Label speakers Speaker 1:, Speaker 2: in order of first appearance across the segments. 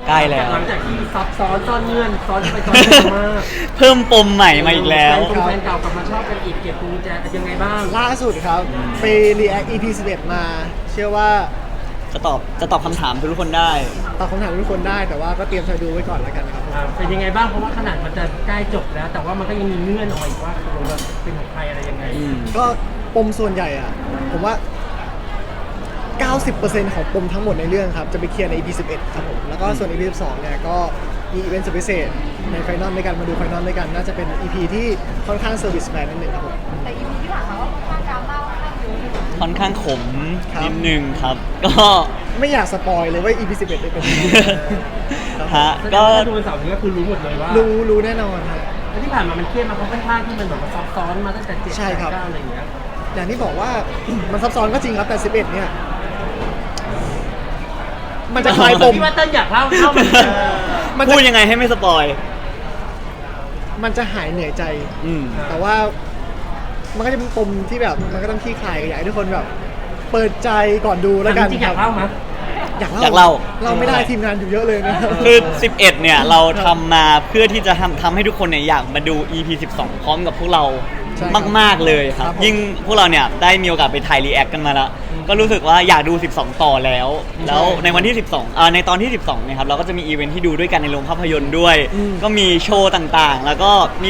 Speaker 1: ใกล้แล้ว
Speaker 2: หลังจากที่ซับซ้อนซ่อนเงื่อนซ้อนไปซ้อนมา
Speaker 1: เพิ่มปมใหม่มาอีกแล้ว
Speaker 2: แฟนเก่ากลับมาชอบกันอีกเก็บกุญแจยังไงบ้าง
Speaker 3: ล่าสุดครับไป React EP 11 มา เชื่อว่า
Speaker 1: จะตอบคำถามทุกคนได้
Speaker 3: ตอบคำถามทุกคนได้แต่ว่าก็เตรียมใจดูไว้ก่อนแล้วกันครับ
Speaker 2: เป็นยังไงบ้างเพราะว่าขนาดมันจะใกล้จบแล้ว แต่ว่ามันก็ยังมีเงื่อนออกมาอีกว่าตกลงว่าเป็นของใครอะไรยังไง
Speaker 3: ก็ปมส่วนใหญ่อะผมว่า 90% ของปมทั้งหมดในเรื่องครับ จะไปเคลียร์ใน EP 11 ครับผม แล้วก็ส่วน EP 12 เนี่ยก็มีอีเวนต์สุดพิเศษในไฟนอลด้วยกันมาดูไฟนอลด้วยกัน น่าจะเป็น EP ที่ค่อนข้างเซอร์วิสแมนนิดนึงครับผม
Speaker 4: แต่ EP ที่ผ่านมาก็ค่อนข้างดราม่าค่อนข้างเยอะเลย
Speaker 1: ค่อนข้างขม
Speaker 3: ครับ
Speaker 1: นิดนึงครับ ก็
Speaker 3: ไม่อยากสปอยเลยว่า EP 11จะเป็นยังไงครับ
Speaker 1: ฮะ
Speaker 2: ก็
Speaker 1: ก็
Speaker 2: ดูวันเสาร์นี้ก็คือรู้หมดเลยว่า
Speaker 3: รู้แน่นอนครับ
Speaker 2: แล้วที่ผ่านมามันเครียดมาเพราะค่อนข้างที่มันแบบว่าซับซ้อนมาตั้งแต่7
Speaker 3: ใช่ครับ
Speaker 2: 9อะไรอย่างเงี้ย
Speaker 3: อย่างที่บอกว่า มันซับซ้อนก็จริงครับแต่ 11 เนี่ย มันจะคลายปม
Speaker 2: พี่ว่าเต้นอยากเล่ามัน
Speaker 3: มันจะ
Speaker 1: พูดยังไงให้ไม่สปอย
Speaker 3: มันจะหายเหนื่อยใจ
Speaker 1: อืม
Speaker 3: แต่ว่ามันก็จะเป็นปมที่แบบมันก็ต้องขี้คลายกันอยากให้ทุกคนแบบ เปิดใจก่อนดูแล้วกัน
Speaker 2: จริงๆอยากเล่ามั้ย
Speaker 3: อยาก
Speaker 1: อยากเล่า
Speaker 3: เราไม่ได้ทีมงานอยู่เยอะเลยนะ
Speaker 1: คือ 11 เนี่ยเราทำมาเพื่อที่จะทำให้ทุกคนเนี่ยอยากมาดู EP 12 พร้อมกับพวกเรา
Speaker 3: ใช่ครับ
Speaker 1: มาก ๆ เลยครับ
Speaker 3: ครับผม
Speaker 1: ยิ่งพวกเราเนี่ยได้มีโอกาสไปถ่ายรีแอคกันมาแล้ว ก็รู้สึกว่าอยากดู 12 ต่อแล้ว แล้วในวันที่ 12ในตอนที่ 12 เนี่ยครับเราก็จะมีอีเวนท์ที่ดูด้วยกันในโรงภาพยนตร์ด้วย ก็มีโชว์ต่างๆ แล้วก็มี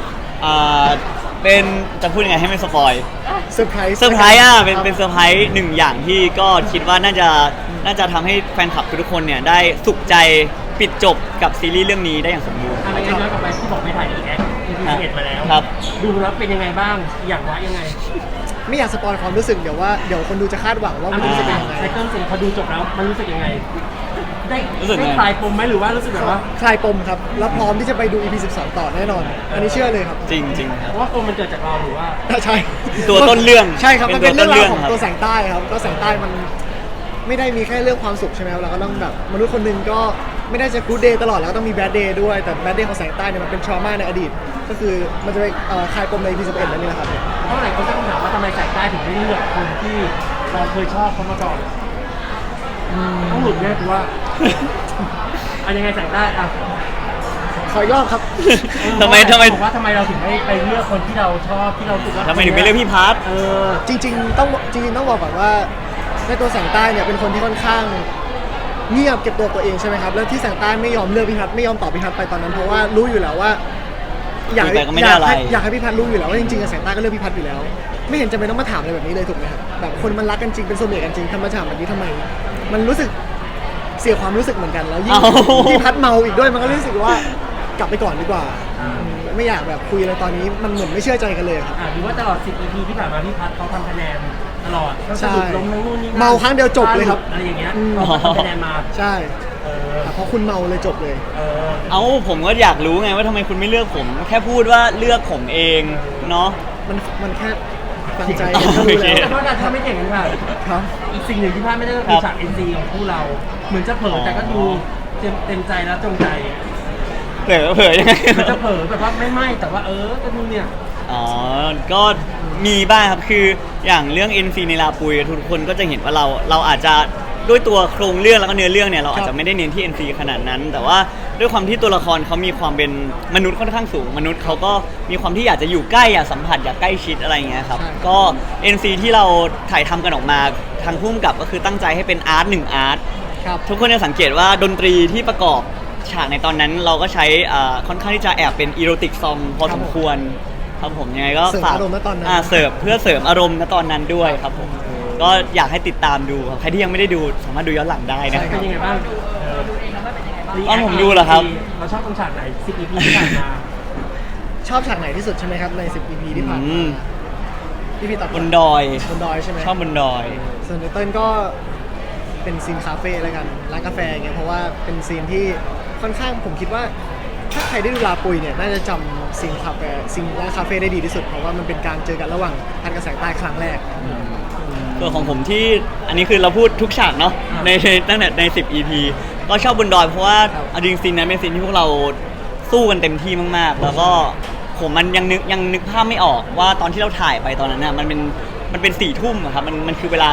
Speaker 1: เป็นจะพูดยังไงให้ไม่สปอย
Speaker 3: เซอร์ไพรส์
Speaker 1: เซอร์ไพรส์เป็นเซอร์ไพรส์หนึ่งอย่างที่ก็คิดว่าน่าจะทำให้แฟนคลับทุกคนเนี่ยได้สุขใจปิดจบกับซีรีส์เรื่องนี้ได้อย่างสมบูรณ์
Speaker 2: อะไรงั้นย้อนกลับไปที่บอกไปถ่ายรีแอค EP 11มาแล้ว
Speaker 1: ครับ
Speaker 2: ดูแล้วเป็นยังไงบ้างอยากว่ายังไง
Speaker 3: ไม่อยากสปอยความรู้สึกเดี๋ยวคนดูจะคาดหวังว่ามันจะเป็นยังไง
Speaker 2: ไซเคิลสิพอดูจบแล้วมันรู้สึกยังไง ได้
Speaker 1: รู้สึกไง
Speaker 2: ได้คลายปมไหมหรือว่ารู้สึกแบบว่า
Speaker 3: คลายปมครับ แล้วพร้อมที่จะไปดู EP 12 ต่อแน่นอน อันนี้เชื่อเลยครับ
Speaker 1: จริงๆค
Speaker 2: เพ
Speaker 1: รับ
Speaker 2: ราะว่าปมมันเกิดจากเราหรือว่า
Speaker 3: ใช่
Speaker 1: ตัวต้นเรื่อง
Speaker 3: ใช่ครับ มันเป็น
Speaker 1: เป็น
Speaker 3: เรื่อง
Speaker 1: ตัวต้นเรื่อง
Speaker 3: ราวของ
Speaker 1: ครับ
Speaker 3: ตัวแสงใต้ครับก็แสงใต้มันไม่ได้มีแค่เรื่องความสุขใช่ไหมครับเราก็ต้องแบบมนุษย์คนหนึ่งก็ไม่ได้จะกู๊ดเดย์ตลอดแล้วก็ต้องมีแบดเดย์ด้วยแต่แบดเดย์ของแสงใต้เนี่ยมันเป็นทรมาในอดีต ก็คือมันจะไปคลายปมใน EP 11นั่นเองครับ
Speaker 2: เพราะหลายคนตั้งคำถามว่าทำไมสายใต้ถึงไม่เลือกคนที่เราเคยชอบเขามาก่อนต้องหลุดแน่คือว่าอันยังไงสายใต้อ่ะ
Speaker 3: ขออีกรอบครับ
Speaker 1: ทำไม
Speaker 2: บอกว่าทำไมเราถึงไม่ไปเลือกคนที่เราชอบที่เรารู้สึกว่า
Speaker 1: ทำไมถึงไม่เลือกพี่พัท
Speaker 3: จริงๆต้องบอกก่อนว่าในตัวแสงใต้เนี่ยเป็นคนที่ค่อนข้างเงียบเก็บตัวเองใช่ไหมครับแล้วที่แสงใต้ไม่ยอมเลือกพี่พัฒน์ไม่ยอมตอบพี่พัฒน์ไปตอนนั้นเพราะว่ารู้อยู่แล้วว่าอยาก
Speaker 1: แต่ก็ไม่ได้อะไร
Speaker 3: อยากให้พี่พัฒน์รู้อยู่แล้วว่าจริงๆแสงใต้ก็เลือกพี่พัฒน์อยู่แล้ว ไม่เห็นจำเป็นต้องมาถามอะไรแบบนี้เลยถูกไหมครับแบบคนมันรักกันจริงเป็นโซเมตกันจริงทำมาถามแบบนี้ทำไม มันรู้สึกเสียความรู้สึกเหมือนกันแล้วยิ่งพี่พัฒน์เมาอีกด้วยมันก็รู้สึกว่ากลับไปก่อนดีกว่าไม่อยากแบบคุยอะไรตอนนี้มันเหมือนไม่เชื่อใจกันเลยครับ
Speaker 2: หรือว่าตลอด 10 EP ที่ผ่านมาพี่พัฒน์เขาทำคะแนนตลอดก็สะดุดล้มทั้งนู่นนี่นั่น
Speaker 3: เมาครั้งเดียวจบเลยครับ
Speaker 2: อะไรอย่างเงี้ยเขาก็ทำคะแนนมา
Speaker 3: ใช่เพราะคุณเมาเลยจบเลย
Speaker 1: ผมก็อยากรู้ไงว่าทำไมคุณไม่เลือกผม แค่พูดว่าเลือกผมเองเนาะ
Speaker 3: มันแค่ฟังใจ
Speaker 1: อ๋อ
Speaker 3: ก็รู้
Speaker 1: โอเค
Speaker 3: แล้ว
Speaker 2: แต่ว่าถ้าไม่เก่งกันค่ะ
Speaker 3: ครับ
Speaker 2: อีกสิ่งหนึ่งที่พลาดไม่ได้ก็คือฉาก NC ของคู่เรา เหมือนจะเผลอแต่ก็ดูเต็มใจแล้วจงใจ
Speaker 1: เผลอยังไง
Speaker 2: มันจะเผลอแบบว่าไม่แต่ว่าก็ดูเนี่ย
Speaker 1: อ๋อ ก็มีบ้างครับ คืออย่างเรื่อง NC ในลาปุยทุกคนก็จะเห็นว่าเราอาจจะด้วยตัวโครงเรื่องแล้วก็เนื้อเรื่องเนี่ยเราอาจจะไม่ได้เน้นที่ NC ขนาดนั้น แต่ว่าด้วยความที่ตัวละครเขามีความเป็นมนุษย์ค่อนข้างสูง มนุษย์เขาก็มีความที่อยากจะอยู่ใกล้อยากสัมผัสอยากใกล้ชิดอะไรอย่างเงี้ยครับ ก็ NC ที่เราถ่ายทำกันออกมาทางพุ่มกับก็คือตั้งใจให้เป็นอาร์ต1อาร์ต
Speaker 3: ครับ
Speaker 1: ทุกคนจะสังเกตว่าดนตรีที่ประกอบฉากในตอนนั้นเราก็ใช้ค่อนข้างที่จะแอบเป็นอีโรติกซองพอสมควรครับผมยังไงก็
Speaker 3: เสริม
Speaker 1: ฝาก
Speaker 3: อารมณ์ณตอนนั้น
Speaker 1: เสิร์ฟเพื่อเสริมอารมณ์ณตอนนั้นด้วยครับผมก็อยากให้ติดตามดูครับใครที่ยังไม่ได้ดูสามารถดูย้อนหลังได้นะ
Speaker 2: เป็นยังไงบ้าง
Speaker 4: ดูเองแล้วว่าเป็นยังไงบ้าง
Speaker 1: อ๋อผมดูเหรอครับ
Speaker 2: เราชอบตรงฉากไหน 10 EP ที่ผ่านมา
Speaker 3: ชอบฉากไหนที่สุดใช่ไหมครับใน 10 EP ที่ผ่านมาพี่ตอบบ
Speaker 1: นดอย
Speaker 3: บนดอยใช่ไหม
Speaker 1: ชอบบนดอย
Speaker 3: ส่วนในเติ้ลก็เป็นซีนคาเฟ่แล้วกันร้านกาแฟอย่างเงี้ยเพราะว่าเป็นซีนที่ค่อนข้างผมคิดว่า ถ้าใครได้ดูลาปุยเนี่ยน่าจะจำซีนร้านคาเฟ่ได้ดีที่สุดเพราะว่ามันเป็นการเจอกันระหว่างพันกับแสงใต้ครั้งแรก
Speaker 1: ส่วนของผมที่อันนี้คือเราพูดทุกฉากเนาะในตั้งแต่ใน 10 EP ก็ชอบบนดอยเพราะว่า
Speaker 3: ครับ
Speaker 1: เอาจริงซีนนั้นเป็นซีนที่พวกเราสู้กันเต็มที่มากๆ แล้วก็ผมมันยังนึกภาพไม่ออกว่าตอนที่เราถ่ายไปตอนนั้นน่ะมันเป็น4 ทุ่มอะครับมันคือเวลา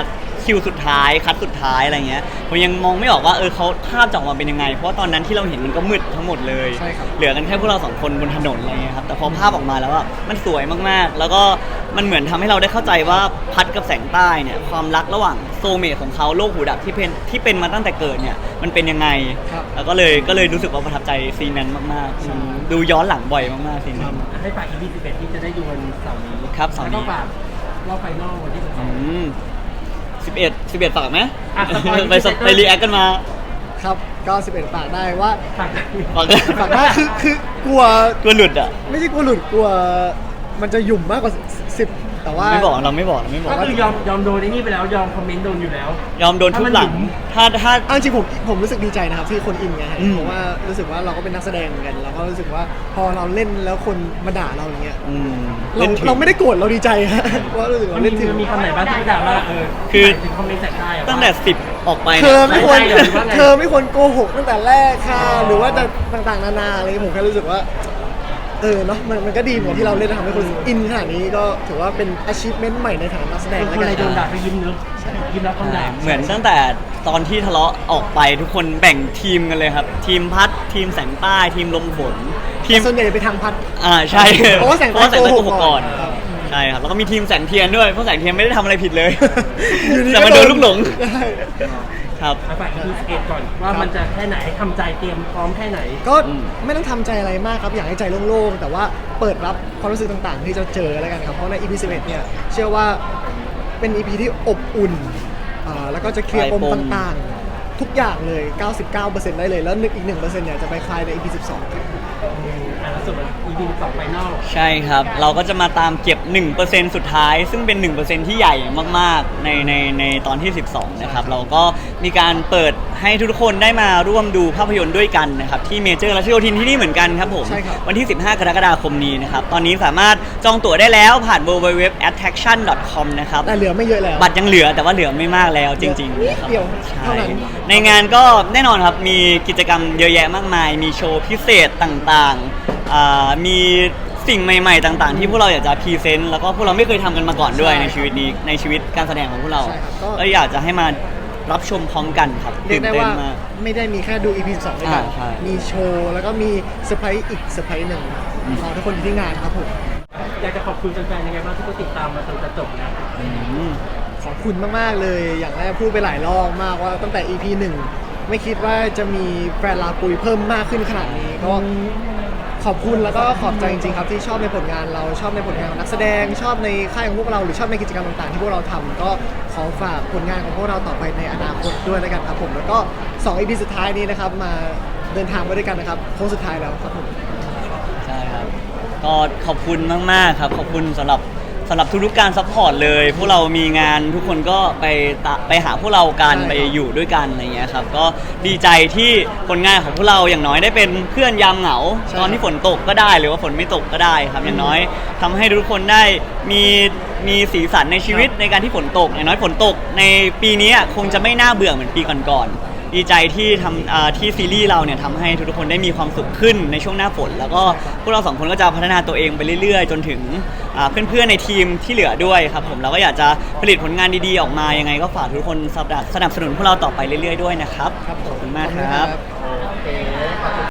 Speaker 1: คิวสุดท้ายคัดสุดท้ายอะไรเงี้ยผมยังมองไม่ออกว่าเขาภาพจะออกมาเป็นยังไงเพราะว่าตอนนั้นที่เราเห็นมันก็มืดทั้งหมดเลย
Speaker 3: ใช่ครับ
Speaker 1: เหลือกันแค่พวกเราสองคนบนถนนอะไรเงี้ยครับแต่พอภาพออกมาแล้วอ่ะมันสวยมากๆ แล้วก็มันเหมือนทำให้เราได้เข้าใจว่าพัดกับแสงใต้เนี่ยความรักระหว่างโซลเมทของเขาโลกหูดับที่เป็นมาตั้งแต่เกิดเนี่ยมันเป็นยังไง
Speaker 3: ครับ
Speaker 1: แล้วก็เลยรู้สึกว่าประทับใจซีนนั้นมากๆดูย้อนหลังบ่อยมากๆซีนนั้น
Speaker 2: ให้ฝาก EP 11ที่จะได้ดูวันเสาร์นี้
Speaker 1: ครับเสาร์นี้
Speaker 2: แล้วก็ฝากรอบไฟนอลวันที่
Speaker 1: 11ฝากไหม
Speaker 2: อ่ะสปอยล์
Speaker 1: ไปรีแอคกันมา
Speaker 3: ครับก็11ฝากได้ว่า
Speaker 2: 12ฝาก
Speaker 1: ฝาก
Speaker 3: ฝากได้คือกลัว
Speaker 1: กลัวหลุดอ่ะ
Speaker 3: ไม่ใช่กลัวหลุดกลัวมันจะหยุ่มมากกว่า10แต่ว่า
Speaker 1: ไม่บอกเราไม่บอก
Speaker 2: ก็คือยอมโดนไอ้นี่ไปแล้วยอมคอมเมนต์โดนอยู่แล้ว
Speaker 1: ยอมโดนทุบหลังถ้า
Speaker 3: เอาจริงผมรู้สึกดีใจนะครับที่คนอินไงฮะ
Speaker 1: อืม
Speaker 3: เพราะว่ารู้สึกว่าเราก็เป็นนักแสดงเหมือนกันเราก็รู้สึกว่าพอเราเล่นแล้วคนมาด่าเราอย่างเงี้ย
Speaker 1: เล่นถึง
Speaker 3: เราไม่ได้โกรธเราดีใจฮะเพราะว่ารู้สึก
Speaker 2: มั
Speaker 3: ว่าน เล่นถึง
Speaker 2: มีคำไหนบ้างที่ด่าว่า
Speaker 1: คือ
Speaker 2: ถึงคอมเมนต์แสกได้อะ
Speaker 1: ตั้งแต่10ออกไป
Speaker 3: เธอไม่ควร
Speaker 2: ไม่ได้หรือว่าไง
Speaker 3: เธอไม่ควรโกหกตั้งแต่แรกค่ะหรือว่าจะต่างๆนานาอะไรผมแค่รู้สึกว่าเนาะมันก็ดีเหมือนที่เราเล่นทำให้คนอินขนาดนี้ก็ถือว่าเป็น achievement ใหม่ในฐานะนักแสดง
Speaker 2: เป็น
Speaker 3: แล้ว
Speaker 2: คน
Speaker 3: กั
Speaker 2: อะไร
Speaker 3: น
Speaker 2: โดนด่าก็ยิ้มเนอะยิ้มรับคำด่า
Speaker 1: เหมือนตั้งแต่ตอนที่ทะเลาะออกไปทุกคนแบ่งทีมกันเลยครับ ทีมพัดทีมแสงใต้ทีมลมฝนทีม
Speaker 3: ส่วนใหญ่ไปทางพัด
Speaker 1: ใช่
Speaker 3: เพราะว่าแสงใต้
Speaker 1: โกหกก่อน
Speaker 3: ครับ
Speaker 1: ใช่ครับแล้วก็มีทีมแสงเทียนด้วยเพราะแสงเทียนไม่ได้ทำอะไรผิดเลย
Speaker 3: อยู่ดี
Speaker 1: แต่
Speaker 3: ก็
Speaker 1: มันโดนลูกหลง
Speaker 3: ใช่
Speaker 1: ครับ
Speaker 2: ฝาก EP 11ก่อนว่ามันจะแค่ไหนทำใจเตรียมพร้อมแค่ไหน
Speaker 3: ก็ไม่ต้องทำใจอะไรมากครับอยากให้ใจโล่งๆแต่ว่าเปิดรับความรู้สึกต่างๆ ที่จะเจอแล้วกันครับเพราะใน EP 11เนี่ยเชื่อว่าเป็น EP ที่อบอุ่นแล้วก็จะเคลียร์ปมต่างๆ ทุกอย่างเลย 99%ได้เลยแล้วอีก 1%เนี่ยจะไปคลายใน EP 12ครับ
Speaker 2: แล้วส่วน EP 2ไฟนอล
Speaker 1: ใช่ครับ เราก็จะมาตามเก็บ 1% สุดท้าย ซึ่งเป็น 1% ที่ใหญ่มากๆในตอนที่ 12 นะครับ เราก็มีการเปิดให้ทุกคนได้มาร่วมดูภาพยนตร์ด้วยกันนะครับ ที่เมเจอร์รัชโยธินที่นี่เหมือนกันครับผม
Speaker 3: ใช่ครับ
Speaker 1: วันที่ 15 กรกฎาคมนี้นะครับ ตอนนี้สามารถจองตั๋วได้แล้วผ่าน www.attraction.com นะครับ
Speaker 3: แต่เหลือไม่เยอะแล้ว
Speaker 1: บัตรยังเหลือแต่ว่าเหลือไม่มากแล้วจริงๆนะครับ
Speaker 3: เดี๋ยว
Speaker 1: ใช่
Speaker 3: เท่านั้น
Speaker 1: ในงานก็แน่นอนครับมีกิจกรรมเยอะแยะมากมาย มีโชว์พิเศษต่างๆมีสิ่งใหม่ๆต่างๆ ที่พวกเราอยากจะพรีเซนต์แล้วก็พวกเราไม่เคยทำกันมาก่อนด้วย
Speaker 3: ใช่
Speaker 1: ในชีวิตนี้ในชีวิตการแสดงของพวกเรา
Speaker 3: ใช่ครับก็
Speaker 1: ก็อยากจะให้มารับชมพร้อมกันครับ
Speaker 3: เรีย
Speaker 1: ตื่
Speaker 3: ก
Speaker 1: น
Speaker 3: ได้
Speaker 1: เต้น
Speaker 3: ว่าม
Speaker 1: าก
Speaker 3: ไม่ได้มีแค่ดู EP 12ด้วยกัน
Speaker 1: ใช่
Speaker 3: มีโชว์แล้วก็มีเซอร์ไพรส์อีกเซอร์ไพรส์หนึ่งรอทุกคนอยู่ที่งานครับผม
Speaker 2: อยากจะขอบคุณแฟนๆยังไงบ้างที่เขาติดตามมาจนจะจบนะ
Speaker 1: อืม
Speaker 3: ขอบคุณมาก ๆ เลย อย่างแรกพูดไปหลายรอบมากว่าตั้งแต่ EP 1 ไม่คิดว่าจะมีแฟนลาปุยเพิ่มมากขึ้นขนาดนี้ก็ขอบคุณแล้วก็ขอบใจจริง ๆ ครับที่ชอบในผลงานเราชอบในผลงานของนักแสดงชอบในค่ายของพวกเราหรือชอบในกิจกรรมต่าง ๆ ที่พวกเราทำก็ขอฝากผลงานของพวกเราต่อไปในอนาคตด้วยแล้วกันครับผมแล้วก็2 EP สุดท้ายนี้นะครับมาเดินทางไปด้วยกันนะครับโค้งสุดท้ายแล้วครับผม
Speaker 1: ใช่ครับ ก็ขอบคุณมากๆครับ ขอบคุณสำหรับทุกๆการซัพพอร์ตเลย พวกเรามีงานทุกคนก็ไปหาพวกเรากัน
Speaker 3: ใช่ครับ
Speaker 1: ไปอยู่ด้วยกันอะไรเงี้ยครับ ก็ดีใจที่ผลงานของพวกเราอย่างน้อยได้เป็นเพื่อนยามเหงา
Speaker 3: ใช่
Speaker 1: ตอนที่ฝนตกก็ได้หรือว่าฝนไม่ตกก็ได้ครับ อย่างน้อยทำให้ทุกคนได้มีสีสันในชีวิตในการที่ฝนตก อย่างน้อยฝนตกในปีนี้คงจะไม่น่าเบื่อเหมือนปีก่อนๆ ดีใจที่ที่ซีรีส์เราเนี่ยทำให้ทุกคนได้มีความสุขขึ้นในช่วงหน้าฝน แล้วก็พวกเราสองคนก็จะพัฒนาตัวเองไปเรื่อยๆ จนถึงเพื่อนๆในทีมที่เหลือด้วยครับผมเราก็อยากจะผลิตผลงานดีๆออกมายังไงก็ฝากทุกคนสนับสนุนพวกเราต่อไปเรื่อยๆด้วยนะครับ
Speaker 3: ครับผม
Speaker 1: ขอบคุณมากครับ
Speaker 3: โอเคขอบคุณ